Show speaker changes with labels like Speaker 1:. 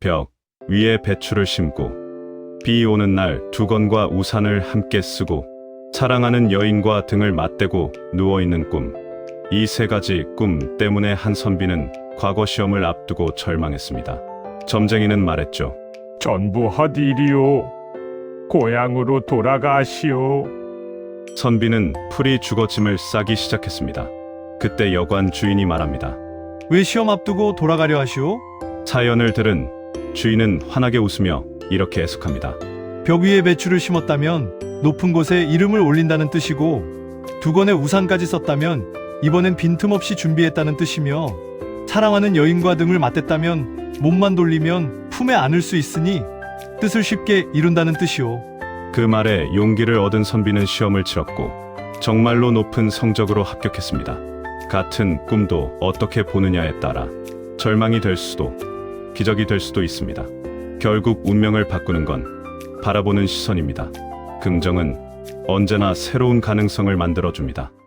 Speaker 1: 벽 위에 배추를 심고 비 오는 날 두건과 우산을 함께 쓰고 사랑하는 여인과 등을 맞대고 누워있는 꿈. 이 세 가지 꿈 때문에 한선비는 과거 시험을 앞두고 절망했습니다. 점쟁이는 말했죠.
Speaker 2: 전부 헛일이오. 고향으로 돌아가시오.
Speaker 1: 선비는 풀이 주거짐을 싸기 시작했습니다. 그때 여관 주인이 말합니다.
Speaker 3: 왜 시험 앞두고 돌아가려 하시오?
Speaker 1: 사연을 들은 주인은 환하게 웃으며 이렇게 해석합니다.
Speaker 3: 벽 위에 배추를 심었다면 높은 곳에 이름을 올린다는 뜻이고, 두건의 우산까지 썼다면 이번엔 빈틈없이 준비했다는 뜻이며, 사랑하는 여인과 등을 맞댔다면 몸만 돌리면 품에 안을 수 있으니 뜻을 쉽게 이룬다는 뜻이오.
Speaker 1: 그 말에 용기를 얻은 선비는 시험을 치렀고 정말로 높은 성적으로 합격했습니다. 같은 꿈도 어떻게 보느냐에 따라 절망이 될 수도 기적이 될 수도 있습니다. 결국 운명을 바꾸는 건 바라보는 시선입니다. 긍정은 언제나 새로운 가능성을 만들어줍니다.